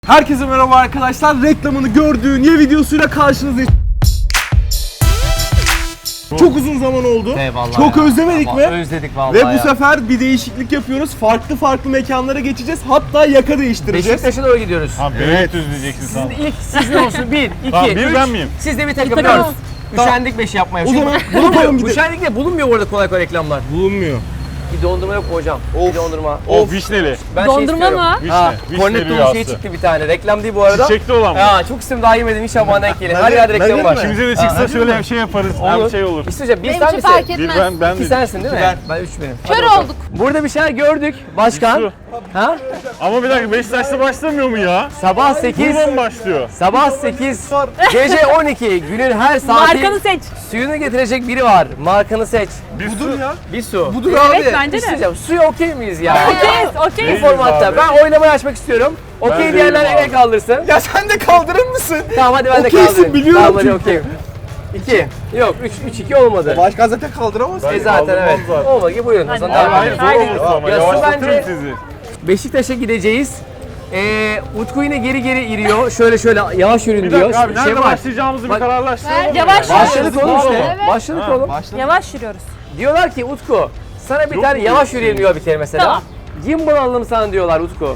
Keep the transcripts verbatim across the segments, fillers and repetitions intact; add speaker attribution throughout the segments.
Speaker 1: Herkese merhaba arkadaşlar. Reklamını gördüğün ye videosuyla karşınızdayız. Çok uzun zaman oldu.
Speaker 2: Eyvallah
Speaker 1: Çok
Speaker 2: ya.
Speaker 1: özlemedik
Speaker 2: Ama
Speaker 1: mi?
Speaker 2: Özledik vallahi
Speaker 1: Ve bu
Speaker 2: ya.
Speaker 1: sefer bir değişiklik yapıyoruz. Farklı farklı mekanlara geçeceğiz. Hatta yaka değiştireceğiz.
Speaker 2: Beşiktaş'a doğru gidiyoruz.
Speaker 3: Ha beni düzleyeceksin sen.
Speaker 2: Sizin ilk siz ne olsun? Bir, iki,
Speaker 3: Tamam, bir
Speaker 2: üç.
Speaker 3: ben miyim?
Speaker 2: Siz de bir takım
Speaker 1: takım.
Speaker 2: dört. Üşendik beş yapmaya.
Speaker 1: O
Speaker 2: Çünkü
Speaker 1: zaman
Speaker 2: bulunmuyor.
Speaker 1: yapalım gidelim.
Speaker 2: Üşendik de bulunmuyor orada kolay kolay reklamlar.
Speaker 1: Bulunmuyor.
Speaker 2: Bir dondurma yok mu hocam?
Speaker 1: Of.
Speaker 2: Bir dondurma.
Speaker 3: O vişneli.
Speaker 2: Ben
Speaker 4: Dondurma
Speaker 2: şey
Speaker 4: mı?
Speaker 3: Vişne.
Speaker 2: Ha,
Speaker 3: Vişne
Speaker 2: kornetto bir
Speaker 3: rüyası.
Speaker 2: şey çıktı bir tane. Reklam değil bu arada.
Speaker 3: Çiçekli olan mı?
Speaker 2: Ha, çok istedim daha yemedim. İnşallah bana denk gelir.
Speaker 1: Ben
Speaker 2: Her
Speaker 1: de-
Speaker 2: yerde
Speaker 1: ben
Speaker 2: reklam
Speaker 1: de
Speaker 2: var.
Speaker 1: mi?
Speaker 3: İkimize de çıksa şöyle bir şey yaparız. Hem şey olur.
Speaker 2: İsteyeceğim. Bir
Speaker 4: Benim
Speaker 2: sen
Speaker 4: için
Speaker 2: misin?
Speaker 4: fark
Speaker 3: Bir
Speaker 4: etmez.
Speaker 3: ben ben
Speaker 2: İki
Speaker 3: de.
Speaker 2: sensin değil mi?
Speaker 1: Ben.
Speaker 2: Ben üç benim.
Speaker 4: Kör
Speaker 2: Hadi bakalım.
Speaker 4: olduk.
Speaker 2: Burada bir şeyler gördük. Başkan.
Speaker 3: Su.
Speaker 2: Ha?
Speaker 3: Ama bir dakika Beşiktaş'ta başlamıyor mu ya?
Speaker 2: Sabah sekiz.
Speaker 3: Buradan başlıyor.
Speaker 2: Sabah sekiz. Gece on iki. Günün her saati.
Speaker 4: Markanı seç.
Speaker 2: Suyunu getirecek biri var. Markanı seç.
Speaker 3: Bir
Speaker 1: Budur
Speaker 3: su.
Speaker 1: ya.
Speaker 2: Bir su.
Speaker 1: Budur
Speaker 4: Evet
Speaker 1: abi.
Speaker 4: bence de.
Speaker 2: İsteyeceğim. Suya okey miyiz ya?
Speaker 4: Okeyiz, okeyiz.
Speaker 3: Değiliz
Speaker 2: Formatta.
Speaker 3: abi.
Speaker 2: Ben oylamayı açmak istiyorum. Okey
Speaker 3: Ben
Speaker 2: diyenler
Speaker 3: değilim
Speaker 2: el
Speaker 3: abi.
Speaker 2: kaldırsın.
Speaker 1: Ya sen de kaldırır mısın?
Speaker 2: Tamam hadi ben de
Speaker 1: Okeysin,
Speaker 2: kaldırayım.
Speaker 1: biliyorum
Speaker 2: Tamam hadi
Speaker 1: çünkü.
Speaker 2: okeyim. iki. Yok üç, üç iki olmadı.
Speaker 1: Başkan zaten kaldıramaz.
Speaker 3: Ben
Speaker 2: E zaten
Speaker 3: kaldırmam
Speaker 2: evet.
Speaker 3: zaten.
Speaker 2: Olmadı ki buyurun. O zaman
Speaker 4: Hadi.
Speaker 2: devam
Speaker 3: Hayır
Speaker 2: edelim.
Speaker 3: zor
Speaker 4: Haydi.
Speaker 3: olursa ama
Speaker 2: Ya su
Speaker 3: yavaşlatırım
Speaker 2: bence-
Speaker 3: sizi.
Speaker 2: Beşiktaş'a gideceğiz. Ee, Utku yine geri geri iriyor. Şöyle şöyle yavaş yürüyün
Speaker 3: Bir
Speaker 2: diyor.
Speaker 3: dakika abi nerede
Speaker 2: Şey var.
Speaker 3: başlayacağımızı bir
Speaker 2: Bak-
Speaker 3: kararlaştıralım.
Speaker 4: Yavaş
Speaker 3: ya.
Speaker 4: yavaş.
Speaker 2: Başladık oğlum işte.
Speaker 4: Evet.
Speaker 2: Başladık
Speaker 3: Ha,
Speaker 2: oğlum.
Speaker 4: Yavaş yürüyoruz.
Speaker 2: Diyorlar ki Utku sana bir
Speaker 3: Yok
Speaker 2: tane
Speaker 3: mu
Speaker 2: yavaş
Speaker 3: öyle
Speaker 2: yürüyelim
Speaker 3: şey?
Speaker 2: diyor bir kere mesela.
Speaker 4: Tamam.
Speaker 2: Gimbal alalım sana diyorlar Utku.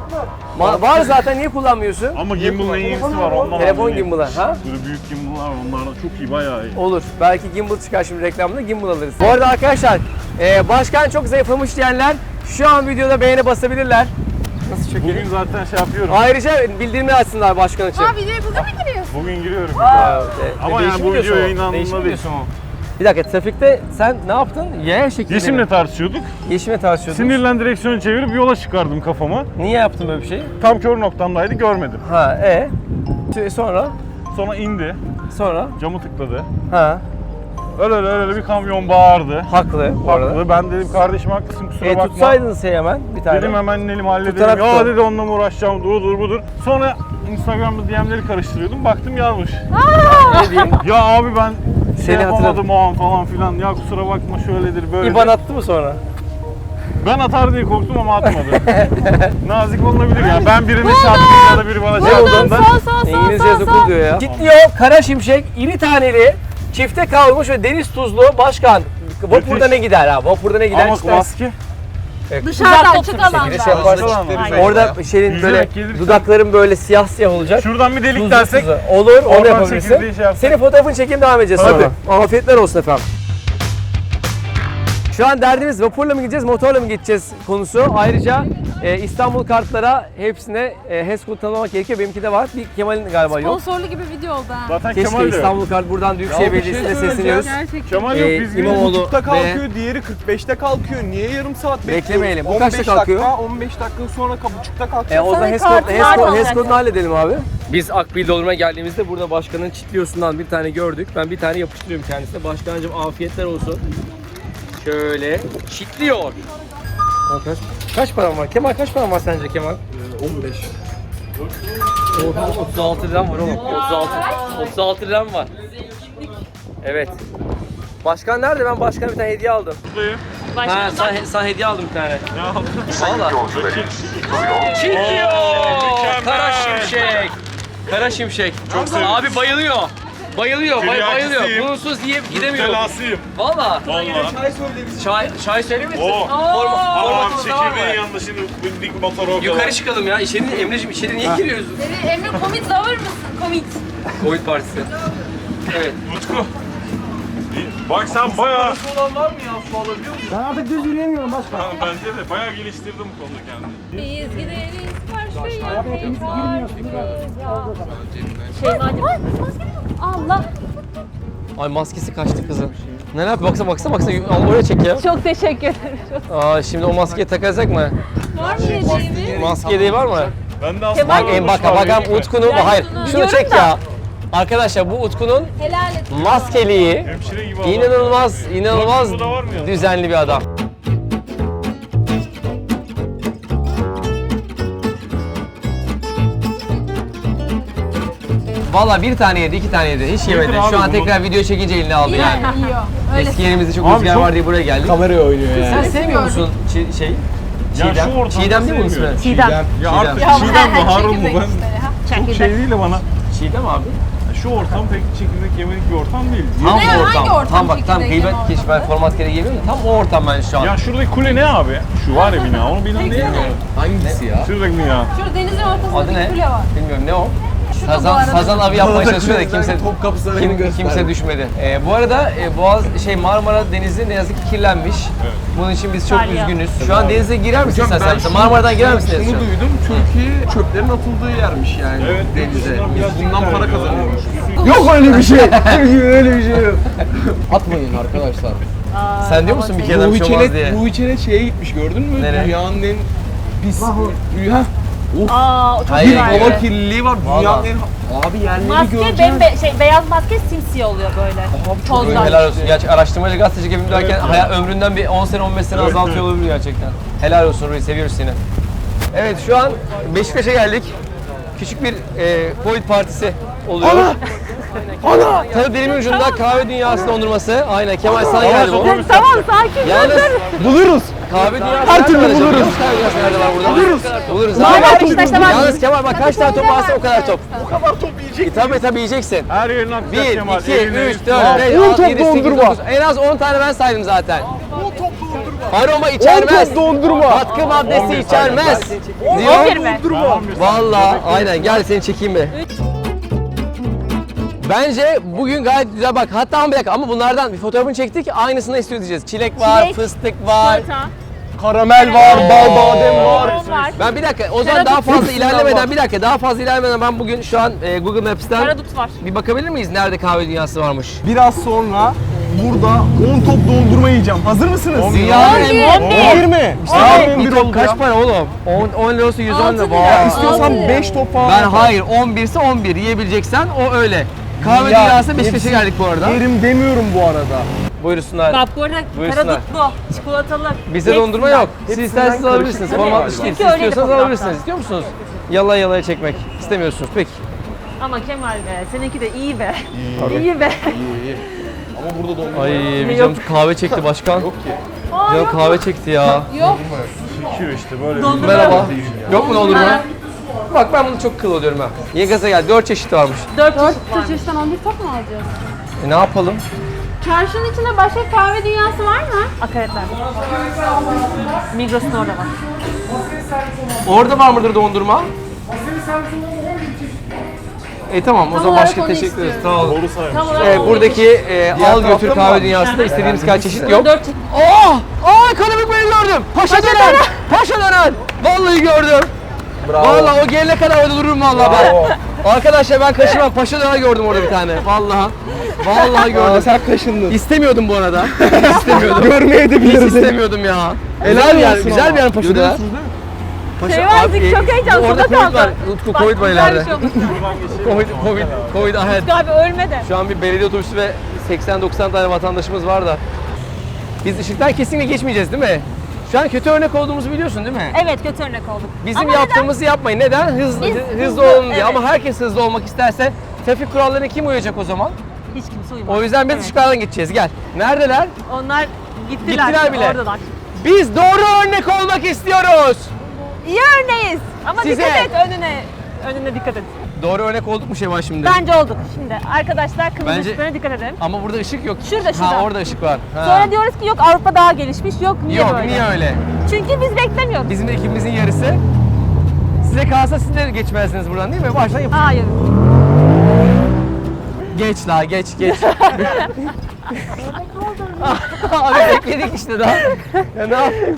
Speaker 2: Ma- var zaten niye kullanmıyorsun?
Speaker 3: Ama gimbal'ın en iyisi var ondan
Speaker 2: Telefon
Speaker 3: alayım.
Speaker 2: gimbal'ı ha?
Speaker 3: Böyle büyük gimbal'lar var onlardan çok iyi bayağı iyi.
Speaker 2: Olur. Belki gimbal çıkar şimdi reklamda gimbal alırız. Bu arada arkadaşlar e, başkan çok zayıflamış diyenler şu an videoda beğeni basabilirler. Nasıl çekiyor?
Speaker 3: Bugün zaten şey yapıyorum.
Speaker 2: Ayrıca bildirimi açsınlar başkan için.
Speaker 4: Aa videoyu bugün mü giriyorsun?
Speaker 3: Bugün giriyorum.
Speaker 2: Aa, e,
Speaker 3: Ama
Speaker 2: değişim
Speaker 3: yani bu
Speaker 2: videosu
Speaker 3: video
Speaker 2: o.
Speaker 3: yayınlandığında
Speaker 2: Değişim
Speaker 3: değil.
Speaker 2: videosu mu? Bir dakika trafikte sen ne yaptın? Yaya şeklinde
Speaker 3: Yeşim'le
Speaker 2: mi?
Speaker 3: tartışıyorduk.
Speaker 2: Yeşim'le tartışıyordun.
Speaker 3: Sinirlen direksiyonu çevirip yola çıkardım kafama.
Speaker 2: Niye yaptın böyle bir şey?
Speaker 3: Tam kör noktamdaydı görmedim.
Speaker 2: Ha e Tü- sonra
Speaker 3: Sonra indi.
Speaker 2: sonra
Speaker 3: Camı tıkladı.
Speaker 2: ha
Speaker 3: Öyle öyle öyle bir kamyon bağırdı.
Speaker 2: haklı bu arada.
Speaker 3: Haklı. Ben dedim kardeşim haklısın kusura
Speaker 2: E
Speaker 3: bakma.
Speaker 2: tutsaydın sen hemen bir tane.
Speaker 3: Dedim hemen elim halledelim.
Speaker 2: Tutarak
Speaker 3: Ya
Speaker 2: tut.
Speaker 3: dedi onunla mı uğraşacağım dur dur budur. Sonra Instagram'da D M'leri karıştırıyordum. Baktım yazmış.
Speaker 2: Ne diyeyim?
Speaker 3: Ya abi ben şey
Speaker 2: Seni
Speaker 3: yapamadım
Speaker 2: hatırladım.
Speaker 3: o an falan filan. Ya kusura bakma şöyledir böyledir.
Speaker 2: İban attı mı sonra?
Speaker 3: Ben atar diye korktum ama atmadı. Nazik olunabilir ya. Ben birine çarptım ya da biri bana
Speaker 4: Buldum.
Speaker 3: çarptığında.
Speaker 4: Sol sol sol
Speaker 2: İngilizce
Speaker 4: sol
Speaker 2: okul
Speaker 4: sol.
Speaker 2: diyor ya. Kitliyor kara şimşek iri taneli çifte kavrulmuş ve deniz tuzlu başkan. Vapurda
Speaker 3: Müthiş.
Speaker 2: ne gider ha? Vapurda ne gider?
Speaker 3: Ama
Speaker 2: İşte-
Speaker 3: maske.
Speaker 2: Evet,
Speaker 4: Dışarıda
Speaker 2: güzel
Speaker 4: açık
Speaker 2: toplu bir
Speaker 4: alanda.
Speaker 2: şekilde şey yaparsın.
Speaker 3: Aynen.
Speaker 2: Orada şeyin
Speaker 3: Yüzerek
Speaker 2: böyle
Speaker 3: gelirsen-
Speaker 2: dudakların böyle siyah siyah olacak.
Speaker 3: Şuradan bir delik
Speaker 2: Tuzlu
Speaker 3: dersek.
Speaker 2: tuzu. Olur, onu
Speaker 3: oradan
Speaker 2: yapabilirsin.
Speaker 3: çekirdeği şey yapsak.
Speaker 2: Senin fotoğrafını çekeyim devam edeceğiz
Speaker 3: Hadi.
Speaker 2: sonra. Afiyetler olsun efendim. Şu an derdimiz vapurla mı gideceğiz, motorla mı gideceğiz konusu. Ayrıca e, İstanbul kartlara hepsine e, HES kodu tanımlamak gerekiyor. Benimki de var. Bir Kemal'in galiba yok.
Speaker 4: Sponsorlu gibi video oldu ha.
Speaker 3: Zaten
Speaker 2: Keşke
Speaker 3: Kemal de yok.
Speaker 2: İstanbul kart buradan Büyükşehir
Speaker 1: Ya bir şey
Speaker 2: Belediyesi'ne
Speaker 1: söyleyeceğim.
Speaker 2: sesleniyoruz.
Speaker 4: Gerçekten.
Speaker 3: Kemal
Speaker 2: Ee,
Speaker 3: yok biz
Speaker 2: İmamoğlu-
Speaker 3: İmamoğlu.
Speaker 1: buçukta
Speaker 2: ve-
Speaker 1: kalkıyor, diğeri kırk beşte kalkıyor. Niye yarım saat bekliyoruz?
Speaker 2: Beklemeyelim. Bu
Speaker 1: on
Speaker 2: kaçta
Speaker 1: beş
Speaker 2: kalkıyor?
Speaker 1: Dakika, on beş dakika sonra buçukta kalkıyor.
Speaker 2: E, o zaman
Speaker 4: Sana
Speaker 2: HES,
Speaker 4: kartı
Speaker 2: kod, HES,
Speaker 4: var
Speaker 2: kod,
Speaker 4: mı
Speaker 2: HES
Speaker 4: zaten?
Speaker 2: kodunu halledelim abi. Biz Akbil Doldurma'ya geldiğimizde burada başkanın çitliyosundan bir tane gördük. Ben bir tane yapıştırıyorum kendisine. Başkancığım afiyetler olsun. Şöyle çitliyor. Kaç, kaç param var? Kemal kaç param var sence Kemal?
Speaker 1: on beş.
Speaker 2: Oha, otuz altı liram var oğlum. otuz altı. otuz altı liram var. Evet. Başkan nerede? Ben başkana bir tane hediye aldım. Ha, sen, sen hediye aldım bir tane.
Speaker 3: Ne yaptın?
Speaker 2: Valla. Çitliyor.
Speaker 3: mükemmel.
Speaker 2: Kara şimşek. Kara şimşek.
Speaker 3: Çok sevindim.
Speaker 2: Abi bayılıyor. Bayılıyor, bay, bayılıyor.
Speaker 3: Tiryakisiyim.
Speaker 2: Bunsuz yiyip gidemiyorum.
Speaker 3: Telasıyım.
Speaker 2: Valla.
Speaker 3: Valla.
Speaker 1: Çay söyle bize.
Speaker 2: Çay, çay söyler misin?
Speaker 3: Oo.
Speaker 2: Forma,
Speaker 3: Ama
Speaker 2: formatımız da var mı?
Speaker 3: çekirdeğin yanında şimdi bindik motora o kadar.
Speaker 2: Yukarı çıkalım ya. İçeri, Emre'cim içeri niye giriyoruz?
Speaker 4: Emre komit lover mısın? Komit.
Speaker 2: Covid partisi. Evet.
Speaker 3: Utku. Bak sen bayağı...
Speaker 1: Olan var mı ya? Su alabiliyor musun?
Speaker 2: Ben artık düz yürüyemiyorum başkan.
Speaker 3: Ha, bence de bayağı geliştirdim bu konuda kendimi.
Speaker 4: Biz gideriz karşıya. Şey madem. Allah.
Speaker 2: Ay maskesi kaçtı kızın. Ne yapıyor? Baksana baksana baksana. Al oraya çek ya.
Speaker 4: Çok teşekkür ederim.
Speaker 2: Aa şimdi o maskeyi takacak mı?
Speaker 4: Var mı yediğimiz?
Speaker 2: Maske değil var mı?
Speaker 3: Ben de aslında...
Speaker 2: Bak en bak bak Utku'nun
Speaker 4: Ben
Speaker 2: hayır.
Speaker 4: şunu
Speaker 2: Şunu
Speaker 4: biliyorum
Speaker 2: çek
Speaker 4: da.
Speaker 2: ya. Arkadaşlar bu Utku'nun
Speaker 4: Helal et.
Speaker 2: maskeliği
Speaker 3: Hemşire gibi adam.
Speaker 2: inanılmaz inanılmaz
Speaker 3: Bu da var mı ya?
Speaker 2: düzenli bir adam. Valla bir tane yedi, iki tane yedi. Hiç yemedi.
Speaker 3: abi
Speaker 2: Şu an
Speaker 3: bunu.
Speaker 2: tekrar video çekince eline aldı yani.
Speaker 4: Yani yiyor. Öyle.
Speaker 2: Eski yerimizde çok
Speaker 3: Abi
Speaker 2: rüzgar
Speaker 3: çok-
Speaker 2: var diye buraya geldik.
Speaker 1: Kameraya oynuyor
Speaker 2: Sen sevmiyor musun çi- şey?
Speaker 3: Ya
Speaker 2: Çiğdem.
Speaker 3: şu ortamda
Speaker 2: Çiğdem değil mi bunun
Speaker 3: sevmiyorum.
Speaker 2: ismi?
Speaker 4: Çiğdem.
Speaker 3: Ya artık
Speaker 2: Çiğdem.
Speaker 3: Çiğdem mi Harun mu ben? Çok
Speaker 4: Çekirdek.
Speaker 3: şey değil de bana.
Speaker 2: Çiğdem abi.
Speaker 3: Şu ortam pek çekirdek yemelik bir ortam değil.
Speaker 2: Tam
Speaker 5: Ne,
Speaker 2: bu
Speaker 5: hangi
Speaker 2: ortam.
Speaker 5: ortam
Speaker 2: Tam bak tam
Speaker 5: çekirdek
Speaker 2: gıybet
Speaker 5: yeme
Speaker 2: keşif ben format gereği geliyorum da tam o ortam ben şu an.
Speaker 3: Ya şuradaki kule ne abi? Şu var ya bina, onu bina değil mi?
Speaker 1: Hangisi ya?
Speaker 3: Şuradaki bina.
Speaker 5: Şurada denizin ortasında
Speaker 2: Adı
Speaker 5: bir
Speaker 2: ne?
Speaker 5: kule var.
Speaker 2: Bilmiyorum ne o?
Speaker 5: Şu da bu
Speaker 2: Sazan,
Speaker 5: arada.
Speaker 2: sazan avı yapmaya çalışıyor da kimse
Speaker 1: Topkapı Sarayı'nı
Speaker 2: kim,
Speaker 1: gösterdi.
Speaker 2: kimse düşmedi. Ee, bu arada e, Boğaz şey Marmara Denizi ne yazık ki kirlenmiş.
Speaker 3: Evet.
Speaker 2: Bunun için biz çok
Speaker 4: Salya.
Speaker 2: üzgünüz. Şu an denize girer misin sen?
Speaker 1: Ben
Speaker 2: sen?
Speaker 1: şunu-
Speaker 2: Marmara'dan girer misin?
Speaker 1: Şunu
Speaker 2: şu an?
Speaker 1: duydum, Türkiye çöplerin atıldığı yermiş yani
Speaker 3: Evet,
Speaker 1: denize.
Speaker 3: dışından biraz
Speaker 1: Biz bundan
Speaker 3: çöpler
Speaker 1: para
Speaker 3: diyorlar.
Speaker 1: kazanıyormuşuz. Yok öyle bir şey. Türkiye öyle bir şey yok. Atmayın arkadaşlar.
Speaker 4: Aa,
Speaker 2: Sen diyor musun bir kere
Speaker 1: Ruhi
Speaker 2: bir şey olmaz diye?
Speaker 1: Çenet, Ruhi Çenet şeye gitmiş gördün mü?
Speaker 2: Nereye?
Speaker 1: Dünyanın en pis... Rüya.
Speaker 4: Aa, o çok
Speaker 2: Hayır,
Speaker 1: Bir
Speaker 4: güzel.
Speaker 1: hava kirliliği var. Dünyanın
Speaker 2: Vallahi.
Speaker 1: en... Abi yerleri
Speaker 4: Maske
Speaker 1: göreceğiz.
Speaker 4: bembe şey beyaz maske simsiyah oluyor böyle. Tozdan.
Speaker 2: Helal olsun. Gerçi araştırmacı gazeteci gibi derken hayat ömründen bir on sene on beş sene
Speaker 3: Evet,
Speaker 2: azaltıyor
Speaker 3: evet.
Speaker 2: olabilir gerçekten. Helal olsun Ruhi, seviyoruz seni. Evet şu an Beşiktaş'a geldik. Küçük bir e, Covid partisi oluyor. Ana! Ana! Tabii dilimin ucunda kahve dünyası dondurması. Aynen Kemal sana geldi bu.
Speaker 3: otobüs
Speaker 4: Tamam
Speaker 3: yaptık.
Speaker 4: sakin.
Speaker 2: Yalnız
Speaker 1: Buluruz.
Speaker 2: kahve dünyası
Speaker 1: Her
Speaker 2: nerede
Speaker 1: türlü
Speaker 2: var acaba?
Speaker 1: buluruz.
Speaker 2: Biliyor musun kahve dünyası nerede var burada? Buluruz. Buluruz.
Speaker 4: Var
Speaker 2: abi.
Speaker 4: var Beşiktaş'ta var.
Speaker 2: Yalnız Kemal bak kaç tane top varsa o kadar top.
Speaker 1: O kadar top yiyecek.
Speaker 2: E, tabii tabii yiyeceksin.
Speaker 3: Her yerini atacak
Speaker 2: bir,
Speaker 3: Kemal.
Speaker 2: iki,
Speaker 3: eline,
Speaker 2: üç,
Speaker 3: üstüne.
Speaker 2: dört, beş,
Speaker 1: on
Speaker 2: altı,
Speaker 1: top
Speaker 2: yedi, sekiz,
Speaker 1: dondurma.
Speaker 2: dokuz. En az on tane ben saydım zaten.
Speaker 1: on top dondurma.
Speaker 2: Aroma
Speaker 1: on
Speaker 2: içermez.
Speaker 1: top dondurma.
Speaker 2: Katkı maddesi içermez.
Speaker 4: on bir
Speaker 2: Diyor.
Speaker 4: mi?
Speaker 1: Dondurma.
Speaker 2: Vallahi aynen gel seni çekeyim be. Bence bugün gayet güzel bak. Hatta ama bir dakika ama bunlardan bir fotoğrafını çektik. Aynısını istiyor diyeceğiz. Çilek var,
Speaker 4: Çilek,
Speaker 2: fıstık var.
Speaker 4: Çikolata.
Speaker 1: Karamel var, bal badem var.
Speaker 4: Limon var.
Speaker 2: Ben bir dakika o zaman
Speaker 4: Karadut
Speaker 2: daha fazla
Speaker 1: hepsinden
Speaker 2: ilerlemeden
Speaker 1: var.
Speaker 2: bir dakika daha fazla ilerlemeden ben bugün şu an e, Google Maps'ten
Speaker 4: Karadut var.
Speaker 2: bir bakabilir miyiz nerede kahve dünyası varmış?
Speaker 1: Biraz sonra burada on top dondurma yiyeceğim. Hazır mısınız?
Speaker 3: on bir.
Speaker 2: Dünyanın
Speaker 4: on bir.
Speaker 2: en
Speaker 1: on bir mi?
Speaker 2: İşte
Speaker 1: Aa,
Speaker 2: bir
Speaker 1: on bir
Speaker 2: top
Speaker 1: oldu
Speaker 2: kaç
Speaker 1: ya.
Speaker 2: para oğlum? on lirası yüz on
Speaker 4: Altı
Speaker 2: lira.
Speaker 4: lira.
Speaker 2: Vay.
Speaker 1: İstiyorsan
Speaker 4: Altı.
Speaker 1: beş top falan.
Speaker 2: Ben
Speaker 1: atar.
Speaker 2: hayır on bir ise on bir yiyebileceksen o öyle. Kahve
Speaker 1: Ya,
Speaker 2: dünyası Beşiktaş'a
Speaker 1: hepsi
Speaker 2: geldik bu arada.
Speaker 1: Yerim demiyorum bu arada.
Speaker 2: Buyursunlar.
Speaker 4: Bak bu arada
Speaker 2: Buyursunlar.
Speaker 4: karadutlu, çikolatalı.
Speaker 2: Bizde
Speaker 4: hepsinden.
Speaker 2: dondurma yok. Siz
Speaker 1: Hepsinden
Speaker 2: isterseniz
Speaker 1: karışık
Speaker 2: alabilirsiniz.
Speaker 1: bir şey
Speaker 2: Format
Speaker 1: var.
Speaker 2: dışı değil.
Speaker 4: Çünkü
Speaker 2: Siz
Speaker 4: öyleydi
Speaker 2: istiyorsanız
Speaker 4: fotoğrafta.
Speaker 2: alabilirsiniz. İstiyor musunuz? Yalaya yalaya çekmek. İstemiyorsunuz. Peki.
Speaker 4: Ama Kemal be, seninki de iyi be. İyi be.
Speaker 1: İyi iyi. Ama burada dondurma
Speaker 2: Ay
Speaker 1: yok.
Speaker 2: bir canım kahve çekti başkan.
Speaker 1: Yok ki.
Speaker 2: Canım kahve çekti ya.
Speaker 5: Yok.
Speaker 3: Şükür işte böyle.
Speaker 4: Dondurma.
Speaker 2: Merhaba. Yok mu dondurma? Bak ben bunu çok kıl oluyorum ha. Niye gaza geldi? Dört çeşit varmış.
Speaker 4: Dört çeşit
Speaker 5: Dört
Speaker 4: varmış.
Speaker 5: çeşitten on bir top mu alacağız?
Speaker 2: E ne yapalım?
Speaker 5: Çarşının içinde başka kahve dünyası var mı?
Speaker 4: Akaretler. Migros'un orada var.
Speaker 2: Orada var mıdır dondurma? E tamam o zaman
Speaker 5: olarak
Speaker 2: başka
Speaker 5: onu
Speaker 2: teşekkür ederiz.
Speaker 5: istiyorum.
Speaker 2: Sağ olun.
Speaker 3: Doğru saymış.
Speaker 4: Tam olarak
Speaker 2: E, buradaki e, al
Speaker 1: tarafta
Speaker 2: götür
Speaker 1: mı
Speaker 2: kahve
Speaker 1: var?
Speaker 2: dünyasında istediğimiz kadar çeşit yok.
Speaker 4: dört çeşit.
Speaker 2: Oh! Oh ekonomik beni gördüm. Paşa döner. Paşa döner. Vallahi gördüm.
Speaker 1: Bravo.
Speaker 2: Vallahi o gelene kadar orada dururum vallahi
Speaker 1: Bravo.
Speaker 2: ben. Arkadaşlar ben kaşıma paşa döner gördüm orada bir tane. Vallahi. Vallahi
Speaker 1: Aa,
Speaker 2: gördüm.
Speaker 1: sen kaşındın.
Speaker 2: İstemiyordum bu arada. İstemiyordum.
Speaker 1: Görmeye de
Speaker 2: Hiç
Speaker 1: biliriz.
Speaker 2: istemiyordum ya.
Speaker 1: Helal
Speaker 2: Güzel bir yer,
Speaker 1: olsun
Speaker 2: güzel
Speaker 1: ama.
Speaker 2: bir yer paşa döner.
Speaker 1: Görüyorsunuz değil mi?
Speaker 2: Paşa,
Speaker 4: Şey var,
Speaker 2: abi,
Speaker 4: çok heyecanlı,
Speaker 2: Orada
Speaker 4: suda
Speaker 2: Covid var.
Speaker 4: kaldı.
Speaker 2: Utku
Speaker 4: Bak,
Speaker 2: Covid var
Speaker 4: güzel bir
Speaker 2: ileride.
Speaker 4: şey olmuş.
Speaker 2: Covid, Covid, Covid ahead.
Speaker 4: Abi ölme de.
Speaker 2: Şu an bir belediye otobüsü ve seksen doksan tane vatandaşımız var da. Biz ışıktan kesinlikle geçmeyeceğiz değil mi? Şu an kötü örnek olduğumuzu biliyorsun değil mi?
Speaker 4: Evet kötü örnek olduk.
Speaker 2: Bizim
Speaker 4: Ama
Speaker 2: yaptığımızı yapmayın. Neden? Hızlı,
Speaker 4: Biz
Speaker 2: hızlı,
Speaker 4: hızlı,
Speaker 2: olun diye.
Speaker 4: evet.
Speaker 2: Ama herkes hızlı olmak isterse trafik kurallarına kim uyacak o zaman?
Speaker 4: neden? Hiç kimse uyumaz.
Speaker 2: O yüzden biz
Speaker 4: Evet.
Speaker 2: ışıklardan gideceğiz. Gel. Neredeler?
Speaker 4: Onlar gittiler.
Speaker 2: Gittiler bile.
Speaker 4: Oradalar.
Speaker 2: Biz doğru örnek olmak istiyoruz.
Speaker 4: İyi örneğiz. Ama
Speaker 2: Size.
Speaker 4: dikkat et önüne. Önüne dikkat et.
Speaker 2: Doğru örnek olduk mu Şevval şimdi?
Speaker 4: Bence olduk. Şimdi arkadaşlar kırmızı
Speaker 2: Bence-
Speaker 4: ışıklarına dikkat edelim.
Speaker 2: Ama burada ışık yok.
Speaker 4: Şurada, şurada.
Speaker 2: Ha orada ışık var. Ha.
Speaker 4: Sonra diyoruz ki yok Avrupa daha gelişmiş. Yok niye
Speaker 2: Yok
Speaker 4: böyle?
Speaker 2: niye öyle?
Speaker 4: Çünkü biz beklemiyoruz.
Speaker 2: Bizim de ekibimizin yarısı. Size kalsa siz de geçmezsiniz buradan değil mi? Baştan yapın.
Speaker 4: Hayır.
Speaker 2: Geç la geç geç. Abi bekledik işte daha. Ya ne yapayım?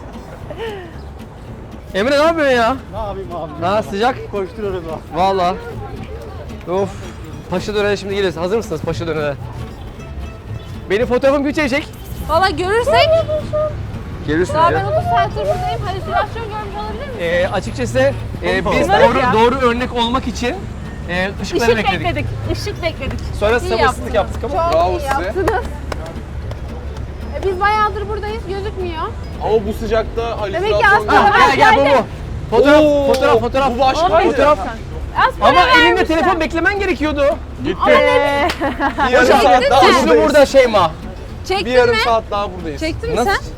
Speaker 2: Emre ne yapıyorsun ya?
Speaker 3: Ne yapayım abi?
Speaker 2: Ha sıcak.
Speaker 3: Koşturuyoruz abi.
Speaker 2: Valla. Of. Paşa dönere şimdi geliyoruz. Hazır mısınız Paşa dönere? Benim fotoğrafım güçecek.
Speaker 5: Valla görürsek.
Speaker 2: Gelirsiniz
Speaker 5: Daha ben
Speaker 2: ya.
Speaker 5: otuz saattir buradayım. Halüsinasyon görmüş olabilir miyim?
Speaker 2: Ee, açıkçası e, biz
Speaker 4: Umarım
Speaker 2: doğru,
Speaker 4: ya.
Speaker 2: doğru örnek olmak için e, ışıkları
Speaker 4: Işık
Speaker 2: bekledik.
Speaker 4: bekledik. Işık bekledik.
Speaker 2: Sonra
Speaker 5: İyi
Speaker 2: sabırsızlık
Speaker 5: yaptınız.
Speaker 2: yaptık ama.
Speaker 5: Çok
Speaker 1: Bravo
Speaker 5: iyi
Speaker 1: size.
Speaker 5: yaptınız. E, biz bayağıdır buradayız. Gözükmüyor.
Speaker 1: Ama bu sıcakta
Speaker 5: Demek ki
Speaker 1: halüsinasyon
Speaker 5: aslında-
Speaker 2: Ha, gel gel bu bu. Fotoğraf,
Speaker 1: Oo,
Speaker 2: fotoğraf, fotoğraf.
Speaker 1: bu başka.
Speaker 4: Olmuyor
Speaker 2: Fotoğraf.
Speaker 4: zaten.
Speaker 5: Az para
Speaker 2: Ama elinde
Speaker 5: vermişler.
Speaker 2: telefon beklemen gerekiyordu.
Speaker 3: Gitti.
Speaker 1: Bir yarım saat daha
Speaker 2: Güçlü
Speaker 1: buradayız.
Speaker 2: burada Şeyma.
Speaker 1: Bir
Speaker 5: Çektin
Speaker 1: yarım
Speaker 5: mi?
Speaker 1: saat daha buradayız.
Speaker 5: Çektin mi
Speaker 2: Nasıl?
Speaker 5: sen?